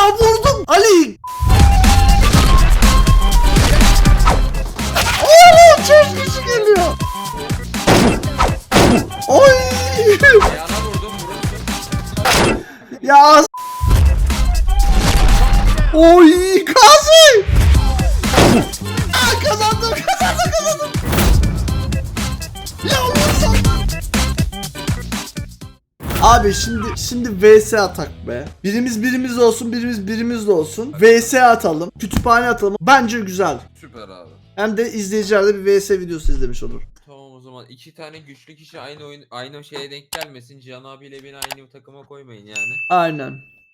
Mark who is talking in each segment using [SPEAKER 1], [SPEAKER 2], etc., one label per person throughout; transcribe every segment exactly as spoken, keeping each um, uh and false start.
[SPEAKER 1] vurdum Ali. Oğlum çok güç geliyor. Oy.
[SPEAKER 2] Ayağına vurdum vurursun.
[SPEAKER 1] Ya. Oy Gazi. Aa, kazandım kazandım kazandım. Ya vursam. Abi şimdi şimdi V S atak be. Birimiz birimiz olsun, birimiz birimiz de olsun. V S atalım, kütüphane atalım. Bence güzel.
[SPEAKER 2] Süper abi.
[SPEAKER 1] Hem de izleyiciler de bir V S videosu izlemiş olur.
[SPEAKER 2] Tamam o zaman iki tane güçlü kişi aynı oyun aynı şeye denk gelmesin. Cihan abiyle beni aynı takıma koymayın yani.
[SPEAKER 1] Aynen.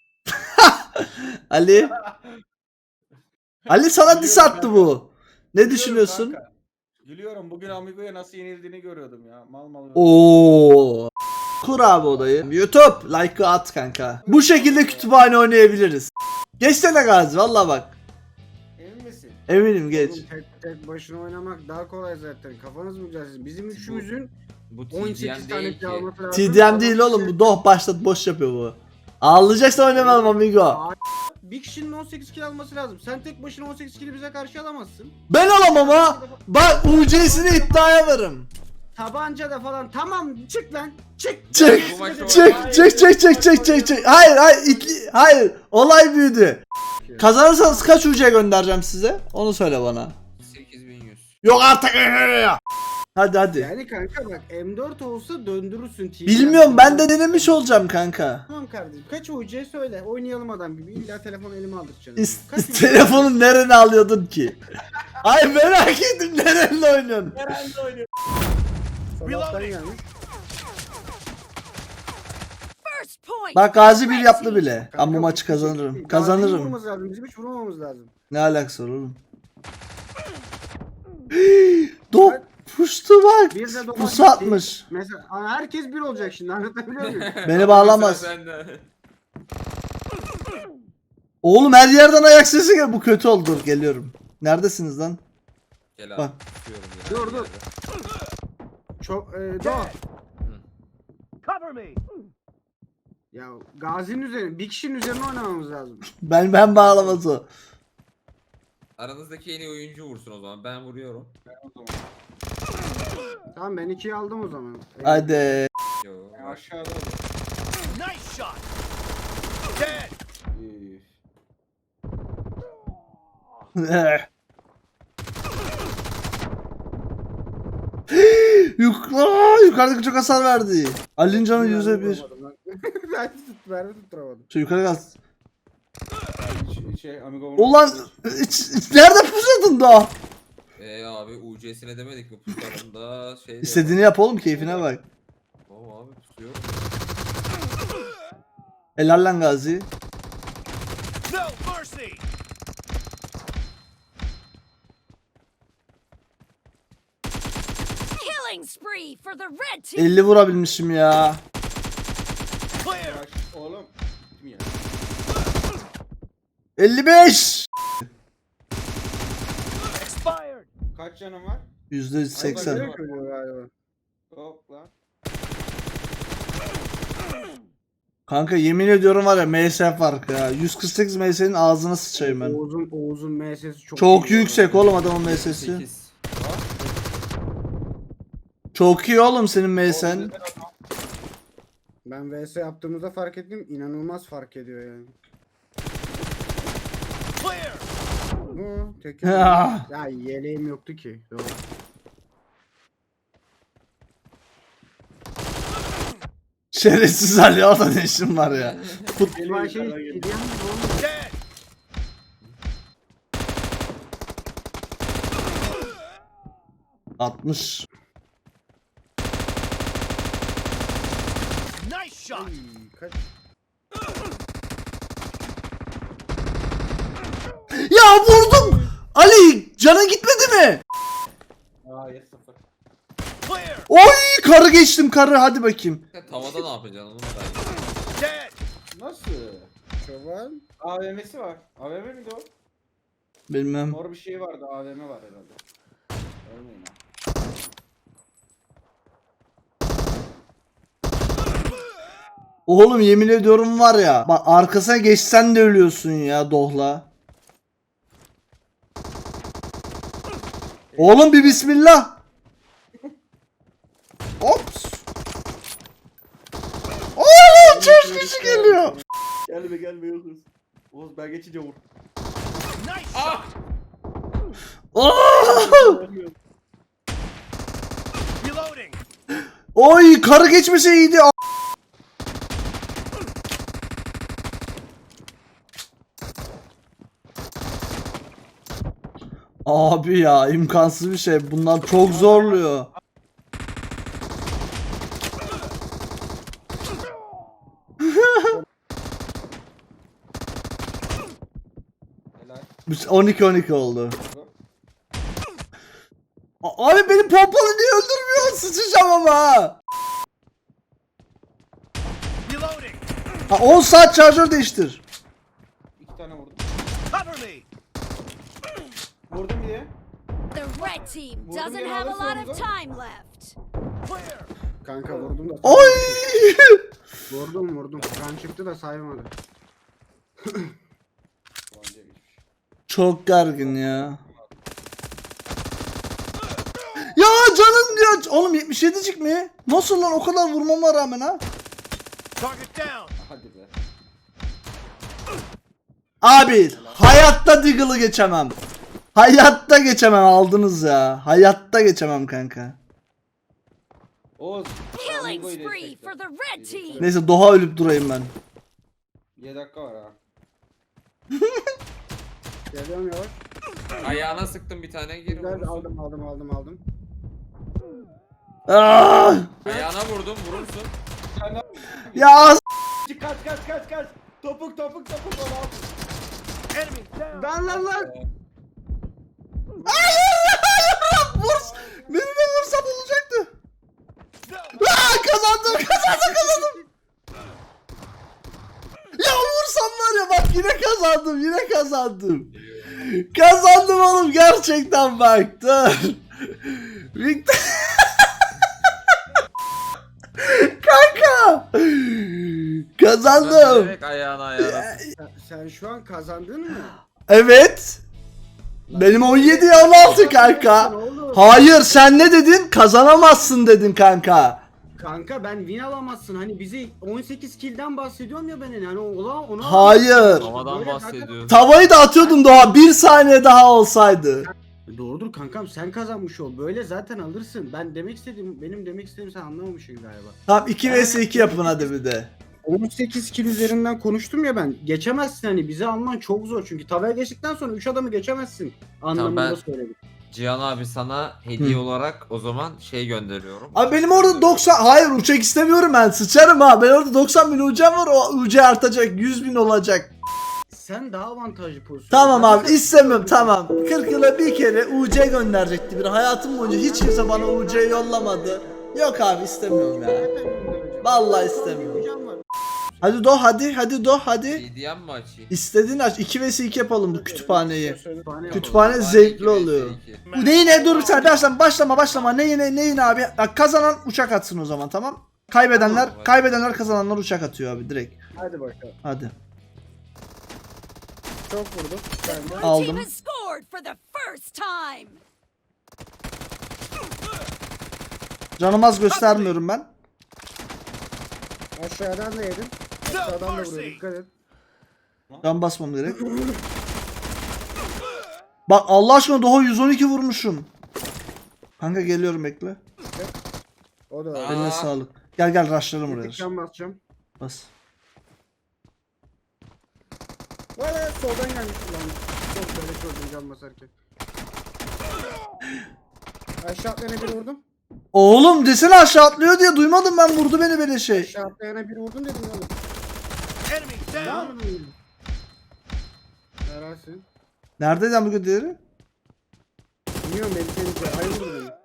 [SPEAKER 1] Ali. Ali sana diss
[SPEAKER 3] Biliyorum
[SPEAKER 1] attı
[SPEAKER 3] kanka.
[SPEAKER 1] bu. Ne
[SPEAKER 3] Gülüyorum
[SPEAKER 1] düşünüyorsun?
[SPEAKER 3] kanka. Gülüyorum. Bugün Amigo'ya nasıl yenildiğini görüyordum ya. Mal mal.
[SPEAKER 1] Oo. Kur abi odayı. YouTube like'ı at kanka. Bu şekilde kütüphane oynayabiliriz. Geçsene Gazi valla bak.
[SPEAKER 3] Emin misin?
[SPEAKER 1] Eminim geç.
[SPEAKER 4] Oğlum tek, tek başına oynamak daha kolay zaten. Kafanız mı güzel sizin? Bizim üçümüzün
[SPEAKER 2] Bu
[SPEAKER 4] on sekiz
[SPEAKER 2] T D M
[SPEAKER 4] tane
[SPEAKER 2] değil ki.
[SPEAKER 4] çalması lazım.
[SPEAKER 1] T D M değil oğlum bu doh başlat boş yapıyor bu. Ağlayacaksan oynamayalım amigo.
[SPEAKER 4] Bir kişinin on sekiz kill alması lazım. Sen tek başına on sekiz kill'i bize karşı alamazsın.
[SPEAKER 1] Ben alamam ha. Bak U C'sini iddiaya varım.
[SPEAKER 4] Tabanca da falan. Tamam çık lan. Çık.
[SPEAKER 1] Çık
[SPEAKER 2] Bu maçı
[SPEAKER 1] çık
[SPEAKER 2] oynamayın.
[SPEAKER 1] çık çık çık çık çık çık. Hayır hayır itli hayır. Olay büyüdü. Kazanırsanız kaç U C göndereceğim size? Onu söyle bana.
[SPEAKER 2] sekiz bin yüz.
[SPEAKER 1] Yok artık. Hadi hadi.
[SPEAKER 4] Yani kanka bak M dört olsa döndürürsün T D M.
[SPEAKER 1] Bilmiyorum ben de denemiş olacağım kanka.
[SPEAKER 4] Tamam kardeşim. Kaç U C söyle. Oynayalım adam gibi. İlla telefon elime aldıracaksın.
[SPEAKER 1] İs-
[SPEAKER 4] Kaç U C?
[SPEAKER 1] telefonu nerene alıyordun ki? Ay merak ettim nerenle oynuyorsun?
[SPEAKER 3] Herhalde oynuyor.
[SPEAKER 4] Sabahtan gelmiş.
[SPEAKER 1] Bak Gazi bir yaptı bile.
[SPEAKER 4] Kanka,
[SPEAKER 1] Ama bu maçı
[SPEAKER 4] bir şey değil.
[SPEAKER 1] kazanırım.
[SPEAKER 4] Gazi'yi
[SPEAKER 1] Kazanırım.
[SPEAKER 4] vurmamız lazım. Bizim hiç vurmamamız lazım.
[SPEAKER 1] Ne alakası var oğlum? Dok puştu bak.
[SPEAKER 4] Bir de dokuz
[SPEAKER 1] Pusu
[SPEAKER 4] gitti.
[SPEAKER 1] atmış.
[SPEAKER 4] Mesela aa, herkes bir olacak şimdi anlatabiliyor muyum?
[SPEAKER 1] Beni bağlamaz.
[SPEAKER 2] Sıra sende.
[SPEAKER 1] Oğlum her yerden ayak sesi geliyor. Bu kötü oldu. Dur geliyorum. Neredesiniz lan?
[SPEAKER 2] Gel abi.
[SPEAKER 1] Bak.
[SPEAKER 2] Tutuyorum ya.
[SPEAKER 4] Dur, dur. Çok e, Doğa.
[SPEAKER 3] Cover me.
[SPEAKER 4] Ya Gazi'nin üzerine bir kişinin üzerine oynamamız lazım.
[SPEAKER 1] Ben ben bağlamaz o.
[SPEAKER 2] Aranızdaki en iyi oyuncu vursun o zaman. Ben vuruyorum.
[SPEAKER 4] Tamam ben ikiyi aldım o zaman. E,
[SPEAKER 1] Hadi.
[SPEAKER 2] Yo.
[SPEAKER 3] Ya aşağıda.
[SPEAKER 5] Nice shot. Dead.
[SPEAKER 3] Üf.
[SPEAKER 1] Yuk Aa, yukarıdaki çok hasar verdi. Ali'nin canı yüzde bir.
[SPEAKER 4] vuramadım lan. Ben tut, mermi tutturamadım.
[SPEAKER 1] Şu yukarı gaz.
[SPEAKER 3] Şey, şey Amigo.
[SPEAKER 1] Ulan iç- iç- nerede pusuyordun daha?
[SPEAKER 2] Eee abi U C'sine demedik mi pusularında şey.
[SPEAKER 1] İstediğini yap oğlum keyfine bak.
[SPEAKER 2] Tamam abi tutuyorum.
[SPEAKER 1] Helal lan Gazi.
[SPEAKER 5] No mercy.
[SPEAKER 6] Killing spree for the red team.
[SPEAKER 1] elli vurabilmişim ya.
[SPEAKER 5] Clear.
[SPEAKER 3] Yavaş, oğlum. Kim ya?
[SPEAKER 1] elli beş.
[SPEAKER 5] Expired.
[SPEAKER 3] Kaç canın var?
[SPEAKER 1] yüzde seksen.
[SPEAKER 4] Direkt ölüyor galiba.
[SPEAKER 3] Hop lan.
[SPEAKER 1] Kanka yemin ediyorum var ya M S farkı ya. yüz kırk sekiz M S'nin ağzına sıçayım ben.
[SPEAKER 4] Oğuz'un Oğuz'un M S'si çok
[SPEAKER 1] Çok
[SPEAKER 4] iyi.
[SPEAKER 1] yüksek oğlum adamın M S'si.
[SPEAKER 2] sekiz.
[SPEAKER 1] Çok iyi oğlum senin M S'en.
[SPEAKER 4] Ben V S yaptığımızda fark ettim. İnanılmaz fark ediyor yani.
[SPEAKER 5] Clear.
[SPEAKER 4] Bu tek
[SPEAKER 1] Ah.
[SPEAKER 4] ya yeleğim yoktu ki. Doğru.
[SPEAKER 1] Şerefsiz Ali orada ne işin var ya. Fut
[SPEAKER 4] Elma şey hediyen gibi olmuş.
[SPEAKER 5] Dead.
[SPEAKER 1] altmış.
[SPEAKER 5] Nice shot.
[SPEAKER 4] Ay, kaç?
[SPEAKER 1] Ya vurdum. Ali canın gitmedi mi?
[SPEAKER 3] Aa yes sıfır.
[SPEAKER 5] Clear.
[SPEAKER 1] Oy karı geçtim karı hadi bakayım.
[SPEAKER 2] Sen tavada ne yapacaksın onu merak ediyorum.
[SPEAKER 5] Dead.
[SPEAKER 3] Nasıl?
[SPEAKER 4] Çoban.
[SPEAKER 3] A V M'si var. A V M miydi o?
[SPEAKER 1] Bilmem.
[SPEAKER 3] Mor bir şey vardı. A V M var herhalde. Ölmeyin ha.
[SPEAKER 1] Oğlum yemin ediyorum var ya. Bak arkasına geçsen de ölüyorsun ya Dohla. Oğlum bir bismillah. Ops. Oğlum çok kişi geliyor.
[SPEAKER 3] Gelme gelme Oğuz. Oğuz ben geçince vur.
[SPEAKER 5] Nice
[SPEAKER 2] Ah!
[SPEAKER 1] Oo!
[SPEAKER 5] Reloading.
[SPEAKER 1] Oy karı geçmese iyiydi. Abi ya imkansız bir şey. Bunlar çok zorluyor.
[SPEAKER 3] Helal.
[SPEAKER 1] on iki on iki oldu. A- Abi benim pompalı niye öldürmüyor? Sıçacağım ama ha.
[SPEAKER 5] Reloading.
[SPEAKER 1] Ha, on saat şarjör değiştir.
[SPEAKER 3] İki tane vurdum.
[SPEAKER 5] Cover me.
[SPEAKER 3] Vurdum bir de.
[SPEAKER 6] The red team
[SPEAKER 3] Vurdum
[SPEAKER 6] doesn't
[SPEAKER 3] yere
[SPEAKER 6] have a
[SPEAKER 3] alırsa
[SPEAKER 6] lot of
[SPEAKER 3] vurdum.
[SPEAKER 6] time left.
[SPEAKER 5] Clear.
[SPEAKER 4] Kanka vurdum da.
[SPEAKER 1] Oy!
[SPEAKER 4] Vurdum vurdum. Kan çıktı da saymadı.
[SPEAKER 3] Ulan Cem hiçbir şey.
[SPEAKER 1] Çok gergin ya. Ya canım ya. Oğlum yetmiş yedicik mi? Nasıl lan o kadar vurmama rağmen ha?
[SPEAKER 5] Target down.
[SPEAKER 3] Hadi be.
[SPEAKER 1] Abi hayatta Deagle'ı geçemem. Hayatta geçemem aldınız ya. Hayatta geçemem kanka.
[SPEAKER 3] Oğuz.
[SPEAKER 6] Killing
[SPEAKER 3] Amigo'yu
[SPEAKER 6] spree
[SPEAKER 3] destekle.
[SPEAKER 6] for the red team.
[SPEAKER 1] Neyse Doha ölüp durayım ben.
[SPEAKER 3] yedi dakika var ha.
[SPEAKER 4] Geliyorum yavaş.
[SPEAKER 2] Ayağına sıktım bir tane geri
[SPEAKER 4] Güzel
[SPEAKER 2] vurursun.
[SPEAKER 4] aldım aldım aldım aldım.
[SPEAKER 1] Ah!
[SPEAKER 2] Ayağına vurdum vurursun.
[SPEAKER 1] Ya s-
[SPEAKER 3] Kaç kaç kaç kaç. Topuk topuk topuk. Onu al.
[SPEAKER 5] Enemy down.
[SPEAKER 4] Lan lan lan.
[SPEAKER 1] Vur! Beni de vursam olacaktı.
[SPEAKER 5] No.
[SPEAKER 1] Aa, kazandım kazandım kazandım. Ya vursam var ya bak yine kazandım yine kazandım. Kazandım oğlum gerçekten bak dur. Victor. Kanka. Kazandım.
[SPEAKER 2] Direkt ayağına ayağına.
[SPEAKER 4] Sen, sen şu an kazandın mı?
[SPEAKER 1] Evet. Benim on yedi on altı kanka.
[SPEAKER 4] Oğlum.
[SPEAKER 1] Hayır sen ne dedin? Kazanamazsın dedin kanka.
[SPEAKER 4] Kanka ben win alamazsın. Hani bizi on sekiz kill'den bahsediyorum ya ben hani ona ona.
[SPEAKER 1] Hayır.
[SPEAKER 2] Havadan
[SPEAKER 4] Böyle
[SPEAKER 2] bahsediyorum.
[SPEAKER 1] Tavayı da atıyordum daha bir saniye daha olsaydı.
[SPEAKER 4] Doğrudur kankam sen kazanmış ol. Böyle zaten alırsın. Ben demek istediğim benim demek istediğim sen anlamamışsın galiba.
[SPEAKER 1] Tamam iki vs iki yapın hadi bir de.
[SPEAKER 4] on sekiz kill üzerinden konuştum ya ben. Geçemezsin hani bizi alman çok zor çünkü tavaya geçtikten sonra üç adamı geçemezsin anlamında
[SPEAKER 2] ben-
[SPEAKER 4] söyledim.
[SPEAKER 2] Cihan abi sana hediye
[SPEAKER 1] Hı.
[SPEAKER 2] olarak o zaman şey gönderiyorum.
[SPEAKER 1] Abi benim orada doksan hayır uçak istemiyorum ben sıçarım ha. Ben orada doksan bin ucam var o ucu artacak yüz bin olacak.
[SPEAKER 4] Sen daha avantajlı pozisyon.
[SPEAKER 1] Tamam
[SPEAKER 4] Ben
[SPEAKER 1] abi
[SPEAKER 4] sen-
[SPEAKER 1] istemiyorum tamam. kırk yıla bir kere U C gönderecekti bir hayatım boyunca hiç kimse bana U C yollamadı. Yok abi istemiyorum ya. Vallahi istemiyorum.
[SPEAKER 4] Hocam var.
[SPEAKER 1] Hadi do hadi hadi do hadi.
[SPEAKER 2] C D M mi açayım?
[SPEAKER 1] İstediğin aç iki vs iki yapalım bu kütüphaneyi.
[SPEAKER 4] Kütüphane
[SPEAKER 1] Kütüphane
[SPEAKER 2] Hadi
[SPEAKER 1] zevkli
[SPEAKER 2] iki vs
[SPEAKER 1] oluyor.
[SPEAKER 2] iki.
[SPEAKER 1] Bu ne yine dur sen başlama başlama başlama ne yine ne yine abi. Bak kazanan uçak atsın o zaman tamam. Kaybedenler
[SPEAKER 2] Tamam.
[SPEAKER 1] kaybedenler kazananlar uçak atıyor abi direkt.
[SPEAKER 4] Hadi bakalım.
[SPEAKER 1] Hadi.
[SPEAKER 4] Çok vurdum. Ben de.
[SPEAKER 6] Blue
[SPEAKER 1] Aldım.
[SPEAKER 6] team has scored for the first time.
[SPEAKER 1] Canım az göstermiyorum ben.
[SPEAKER 4] Aşağıdan da yedim. Aşağıdan da vuruyor dikkat et.
[SPEAKER 1] Can basmam gerek. Bak Allah aşkına Doğa yüz on iki vurmuşum. Kanka geliyorum bekle.
[SPEAKER 4] O da öyle.
[SPEAKER 2] Aa.
[SPEAKER 1] Eline sağlık. Gel gel rushlarım
[SPEAKER 4] Bir
[SPEAKER 1] buraya.
[SPEAKER 4] tık can basacağım.
[SPEAKER 1] Bas.
[SPEAKER 4] Valla soldan gelmiş ulan. Çok böyle gördüm can basarken. Aşağı atlayana bir vurdum.
[SPEAKER 1] Oğlum desene aşağı atlıyor diye duymadım ben vurdu beni böyle şey.
[SPEAKER 4] Aşağı atlayana bir vurdum dedim oğlum.
[SPEAKER 5] Enemy
[SPEAKER 4] Ne
[SPEAKER 5] down.
[SPEAKER 4] yapayım? Herhalsin.
[SPEAKER 1] Neredeyden bugün diğeri?
[SPEAKER 4] Bilmiyorum beni seni ayı vurdu beni.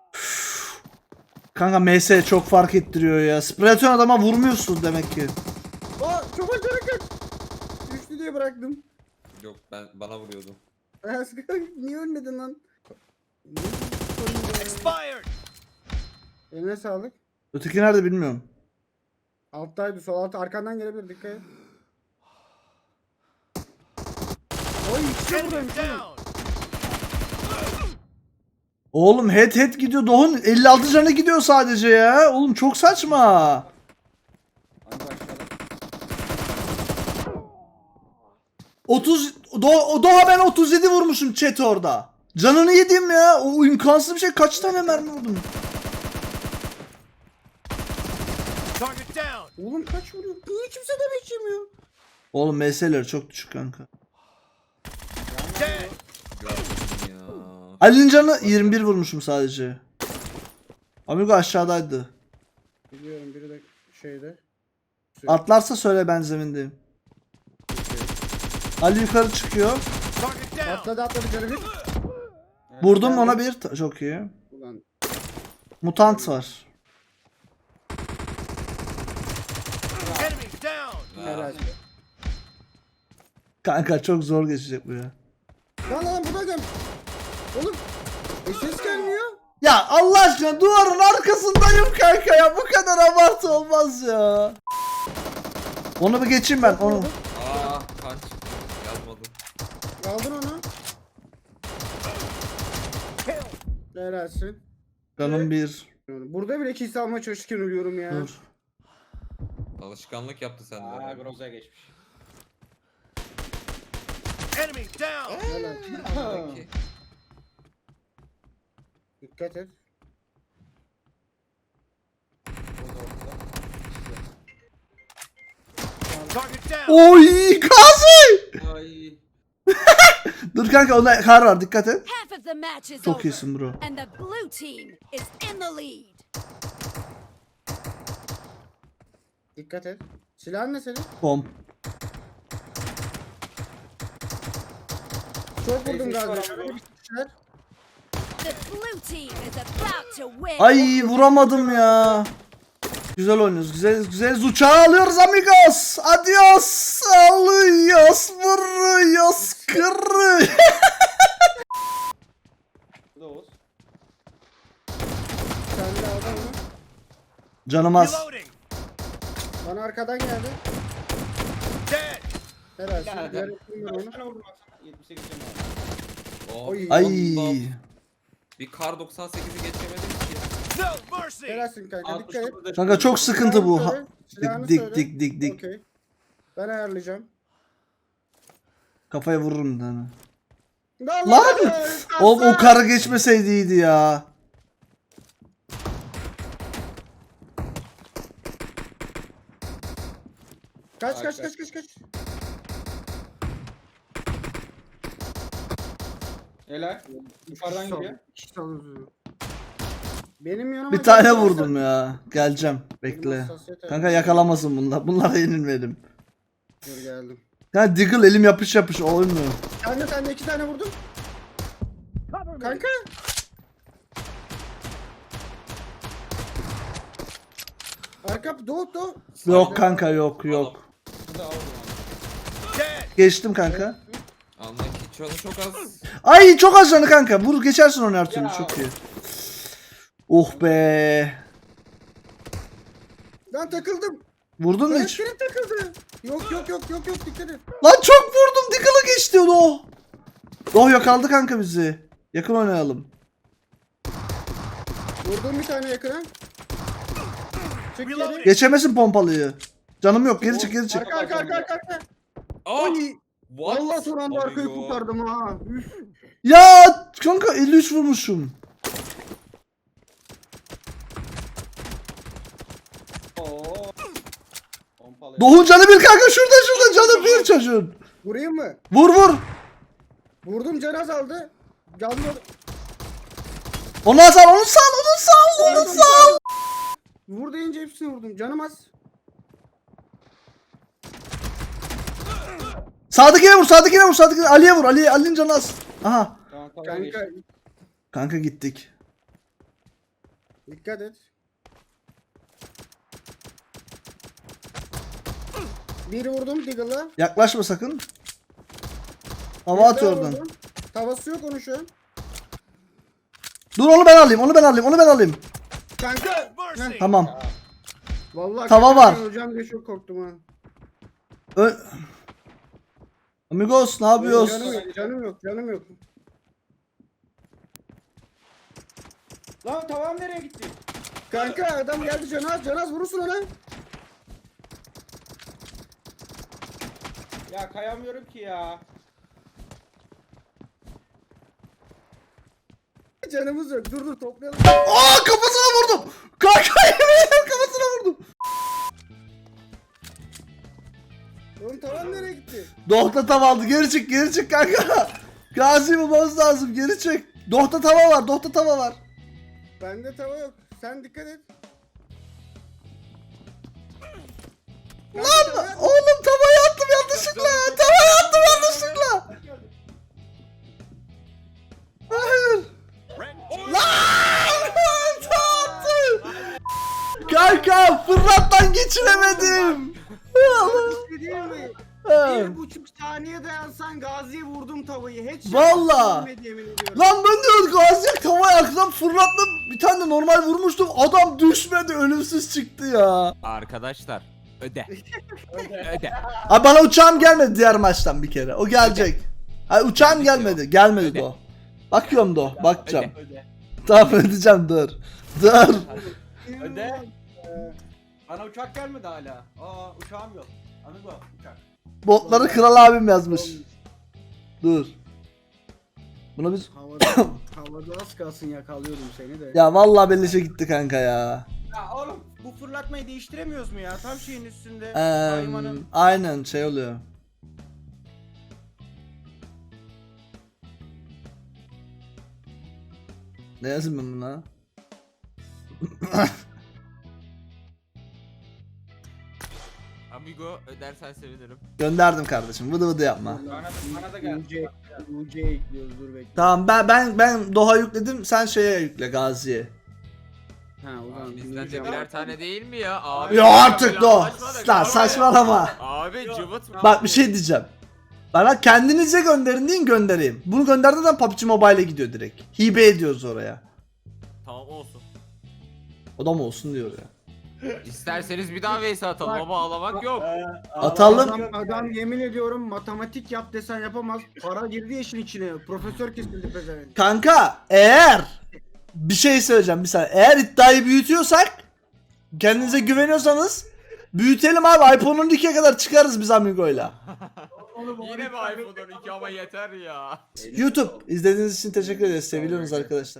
[SPEAKER 1] Kanka M S çok fark ettiriyor ya. Spreton adama vurmuyorsun demek ki.
[SPEAKER 4] Aa çok acayip kaç. Düştü diye bıraktım.
[SPEAKER 2] Yok ben bana vuruyordum.
[SPEAKER 4] Niye ölmedin lan?
[SPEAKER 5] Expired.
[SPEAKER 4] Eline sağlık.
[SPEAKER 1] Öteki nerede bilmiyorum.
[SPEAKER 4] Alttaydı, sol alt arkandan gelebilir, dikkat et. Oy ikisi
[SPEAKER 5] Enemy
[SPEAKER 4] buradaymış oğlum.
[SPEAKER 5] down.
[SPEAKER 1] Oğlum head head gidiyor. Doğu'nun elli altı canı gidiyor sadece ya. Oğlum çok saçma.
[SPEAKER 3] Hadi başlayalım.
[SPEAKER 1] otuz Do Doğa ben otuz yedi vurmuşum chat orada. Canını yedim ya. O imkansız bir şey. Kaç tane mermi vurdum?
[SPEAKER 5] Target down.
[SPEAKER 4] Oğlum kaç vuruyor? Niye kimse demek yemiyor?
[SPEAKER 1] Oğlum M S'leri çok düşük kanka.
[SPEAKER 5] Dead.
[SPEAKER 2] Gördüm ya.
[SPEAKER 1] Ali'nin canı yirmi bir vurmuşum sadece. Amigo aşağıdaydı.
[SPEAKER 4] Biliyorum, biri de şeyde.
[SPEAKER 1] Atlarsa söyle, ben zemindeyim. Ali yukarı çıkıyor.
[SPEAKER 5] Target down.
[SPEAKER 4] Atladı atladı canı bir.
[SPEAKER 1] Vurdum ona bir. Ta- Çok iyi.
[SPEAKER 4] Ulan
[SPEAKER 1] Mutant var.
[SPEAKER 5] Enemy down.
[SPEAKER 4] helal.
[SPEAKER 1] Kanka çok zor geçecek bu ya.
[SPEAKER 4] Lan lan bu da gel. Oğlum. E ses gelmiyor.
[SPEAKER 1] Ya Allah aşkına duvarın arkasındayım kanka ya. Bu kadar abartı olmaz ya. Onu bir geçeyim ben. Onu.
[SPEAKER 2] Aa kan çıktı. Yazmadım.
[SPEAKER 4] Aldın onu. Helalsin.
[SPEAKER 1] Canım bir.
[SPEAKER 4] Burada bile kill almaya çalışırken ölüyorum ya.
[SPEAKER 1] Dur.
[SPEAKER 2] Alışkanlık yaptı sende.
[SPEAKER 3] Aa
[SPEAKER 2] herhalde.
[SPEAKER 3] Groza'ya geçmiş.
[SPEAKER 5] Enemy down.
[SPEAKER 4] Helal.
[SPEAKER 2] Peki.
[SPEAKER 4] Dikkat et.
[SPEAKER 5] Target down.
[SPEAKER 1] Oy Gazi.
[SPEAKER 2] Ay.
[SPEAKER 1] Dur kanka onda kar var, dikkat et.
[SPEAKER 6] Half of the match is
[SPEAKER 1] Çok
[SPEAKER 6] over.
[SPEAKER 1] iyisin bro.
[SPEAKER 6] And the blue team is in the lead.
[SPEAKER 4] Dikkat et. Silahın ne senin?
[SPEAKER 1] Bom.
[SPEAKER 4] Çok vurdum
[SPEAKER 3] Neyse,
[SPEAKER 4] galiba.
[SPEAKER 3] sonra bu-
[SPEAKER 4] Şeyler.
[SPEAKER 6] The blue team is about to win.
[SPEAKER 1] Ay vuramadım ya. Güzel oynuyoruz. Güzel güzel uçağı alıyoruz amigos. Adios. Alıyoruz. Vuruyoruz. Kırı.
[SPEAKER 3] Bu da Oğuz.
[SPEAKER 4] Sen de aldın mı?
[SPEAKER 1] Canım az.
[SPEAKER 5] Reloading.
[SPEAKER 4] Bana arkadan geldi.
[SPEAKER 5] Dead.
[SPEAKER 4] Helalsin.
[SPEAKER 3] Ya,
[SPEAKER 4] Diğer
[SPEAKER 3] ya.
[SPEAKER 4] ekibim var onu.
[SPEAKER 3] Kaç tane vurdun baksana? yetmiş sekiz tane var.
[SPEAKER 2] Oh,
[SPEAKER 4] Oy.
[SPEAKER 1] Ay.
[SPEAKER 2] Allah. Bir kar doksan sekizi geçemedim ki.
[SPEAKER 5] No mercy.
[SPEAKER 4] Helalsin kanka,
[SPEAKER 3] altmış
[SPEAKER 4] dikkat et.
[SPEAKER 3] dokuzda
[SPEAKER 1] Kanka çok sıkıntı bu. Ha-
[SPEAKER 4] Söyle, silahını
[SPEAKER 1] Dik
[SPEAKER 4] söyle.
[SPEAKER 1] dik dik dik.
[SPEAKER 4] Okey. Ben ayarlayacağım.
[SPEAKER 1] Kafaya vururum bir tane.
[SPEAKER 4] Lan!
[SPEAKER 1] Lan! Oğlum o karı geçmeseydi iyiydi ya.
[SPEAKER 4] Kaç kaç kaç kaç kaç.
[SPEAKER 3] Helal. Yukarıdan gidiyor.
[SPEAKER 4] İki sal- Benim yanıma
[SPEAKER 1] Bir tane
[SPEAKER 4] gelirsen-
[SPEAKER 1] vurdum ya. Geleceğim. Bekle.
[SPEAKER 4] hassasiyet
[SPEAKER 1] Kanka
[SPEAKER 4] ayarı.
[SPEAKER 1] yakalamasın bunlar. Bunlara yenilmedim.
[SPEAKER 4] Dur geldim.
[SPEAKER 1] Ya Diggle elim yapış yapış olmuyor.
[SPEAKER 4] Sen de sen de iki tane vurdun. Kanka. Arka doğu doğu.
[SPEAKER 1] Yok kanka yok yok.
[SPEAKER 3] Bu da Oğuz.
[SPEAKER 5] Dead.
[SPEAKER 1] Geçtim kanka.
[SPEAKER 2] Anla ki canı çok az.
[SPEAKER 1] Ay çok az canı kanka. Vur geçersin onu her türlü,
[SPEAKER 3] Ya.
[SPEAKER 1] çok iyi. Oh be.
[SPEAKER 4] Lan takıldım.
[SPEAKER 1] Vurdun mu
[SPEAKER 4] Lan
[SPEAKER 1] hiç?
[SPEAKER 4] seni takıldı. Yok yok yok yok yok dikkat et.
[SPEAKER 1] Lan çok vurdum. Diggle'ı geçti o. Doh yakaladı kanka bizi. Yakın oynayalım.
[SPEAKER 4] Vurdum bir tane yakına. Çık geri.
[SPEAKER 5] Reloading.
[SPEAKER 1] Geçemesin pompalıyı. Canım yok, geri çık geri çık.
[SPEAKER 4] Arka arka arka arka. arka.
[SPEAKER 2] Aa!
[SPEAKER 4] Ay.
[SPEAKER 2] What?
[SPEAKER 4] Allah son anda arkayı
[SPEAKER 2] Amigo.
[SPEAKER 4] kurtardım ha. Üf.
[SPEAKER 1] Ya kanka elli üç vurmuşum.
[SPEAKER 3] Oo. Pompalı.
[SPEAKER 1] Doğun canı bir kanka, şurada şurada canı bir çocuğun.
[SPEAKER 4] Vurayım mı?
[SPEAKER 1] Vur vur.
[SPEAKER 4] Vurdum can azaldı. Canlı.
[SPEAKER 1] Onu sal, onu sal, onu sal, onu sal.
[SPEAKER 4] Vur deyince hepsini vurdum. Canım az.
[SPEAKER 1] Sağdakine vur, sağdakine vur, sağdakine. Ali'ye vur, Ali, Ali'nin canı az. Aha.
[SPEAKER 3] Tamam tamam.
[SPEAKER 4] Kanka
[SPEAKER 3] geçti.
[SPEAKER 1] Kanka gittik.
[SPEAKER 4] dikkat et. Bir vurdum Diggle'a.
[SPEAKER 1] Yaklaşma sakın. Hava atıyor
[SPEAKER 4] Bir daha
[SPEAKER 1] oradan.
[SPEAKER 4] vurdum. Tavası yok onun şu an.
[SPEAKER 1] Dur onu ben alayım, onu ben alayım, onu ben alayım.
[SPEAKER 4] Kanka.
[SPEAKER 5] No mercy.
[SPEAKER 1] Tamam.
[SPEAKER 4] Vallahi
[SPEAKER 1] Tava
[SPEAKER 4] hakikaten
[SPEAKER 1] var.
[SPEAKER 4] Hocam diye çok korktum ha.
[SPEAKER 1] Ö- Amigos ne yapıyorsun?
[SPEAKER 4] Canım yok, canım yok, canım yok.
[SPEAKER 3] Lan tavam nereye gitti?
[SPEAKER 4] Kanka adam geldi Canaz, Canaz vurursun ona.
[SPEAKER 3] Ya kayamıyorum ki ya.
[SPEAKER 4] Canımız yok. Dur dur toplayalım.
[SPEAKER 1] Aa kafasına vurdum. Kanka yemin ederim kafasına vurdum.
[SPEAKER 4] Oğlum tavan nereye gitti?
[SPEAKER 1] Dohta tava aldı. Geri çık geri çık kanka. Gazi bulmamız lazım. Geri çık. Dohta tava var. Dohta tava var.
[SPEAKER 4] Bende tava yok. Sen dikkat et.
[SPEAKER 1] Lan oğlum tavayı attım yanlışlıkla. Tavayı attım yanlışlıkla. Hayır.
[SPEAKER 5] Red
[SPEAKER 1] Lan attım. Kanka fırlattan geçiremedim.
[SPEAKER 4] Bir şey değil mi?
[SPEAKER 1] Ha.
[SPEAKER 4] Bir buçuk saniye dayansan Gazi'ye vurdum tavayı. Hiç
[SPEAKER 1] Valla.
[SPEAKER 4] yemin ediyorum.
[SPEAKER 1] Lan ben de Gazi'ye tavayı arkadan fırlattım. Bir tane de normal vurmuştum. Adam düşmedi. Ölümsüz çıktı ya.
[SPEAKER 2] Arkadaşlar öde. öde.
[SPEAKER 1] Abi bana uçağım gelmedi diğer maçtan bir kere. O gelecek. Hayır uçağım gelmedi. Gelmedi de o. Bakıyorum da o. Bakacağım.
[SPEAKER 3] Öde.
[SPEAKER 1] Tamam ödeyeceğim dur. Dur.
[SPEAKER 3] Öde. Ee, Bana uçak gelmedi hala. Aa uçağım yok. Amigo uçak.
[SPEAKER 1] Botları kral abim yazmış. Dur. Buna biz...
[SPEAKER 4] Havada, havada az kalsın yakalıyordum seni de.
[SPEAKER 1] Ya vallahi beleşe gitti kanka ya.
[SPEAKER 3] Ya oğlum bu fırlatmayı değiştiremiyoruz mu ya? Tam şeyin üstünde.
[SPEAKER 1] Eee
[SPEAKER 3] Kaymanın.
[SPEAKER 1] aynen şey oluyor. Ne yazayım ben buna?
[SPEAKER 2] Amigo ödersen sevinirim.
[SPEAKER 1] Gönderdim kardeşim. Vıdı vıdı yapma.
[SPEAKER 3] Bana, bana da geldi.
[SPEAKER 4] U C, U C ekliyoruz dur bekle.
[SPEAKER 1] Tamam ben ben ben Doha yükledim. Sen şeye yükle Gazi'ye.
[SPEAKER 4] Ha o zaman
[SPEAKER 2] Bizden de
[SPEAKER 4] dinleyeceğim.
[SPEAKER 2] birer tane değil mi ya? Abi,
[SPEAKER 1] Ya artık
[SPEAKER 2] böyle
[SPEAKER 1] Doha.
[SPEAKER 2] anlaşmadık
[SPEAKER 1] Lan
[SPEAKER 2] abi.
[SPEAKER 1] saçmalama.
[SPEAKER 2] Abi cıvıt.
[SPEAKER 1] Bak bir şey diyeceğim. Bana kendinize gönderin deyin göndereyim. Bunu gönderdiğinde P U B G Mobile'e gidiyor direkt. Hibe ediyoruz oraya.
[SPEAKER 2] Tamam olsun.
[SPEAKER 1] O da mı olsun diyor ya.
[SPEAKER 2] İsterseniz bir daha Vs atalım ama ağlamak yok.
[SPEAKER 1] Atalım.
[SPEAKER 4] Adam, adam yemin ediyorum matematik yap desen yapamaz. Para girdi işin içine. Profesör kesildi pezevenk.
[SPEAKER 1] Kanka eğer bir şey söyleyeceğim bir saniye. Eğer iddiayı büyütüyorsak kendinize güveniyorsanız büyütelim abi. iPhone on ikiye kadar çıkarız biz Amigo'yla.
[SPEAKER 2] Yine mi iPhone on iki ama yeter ya.
[SPEAKER 1] YouTube izlediğiniz için teşekkür ederiz. Seviyorsunuz arkadaşlar.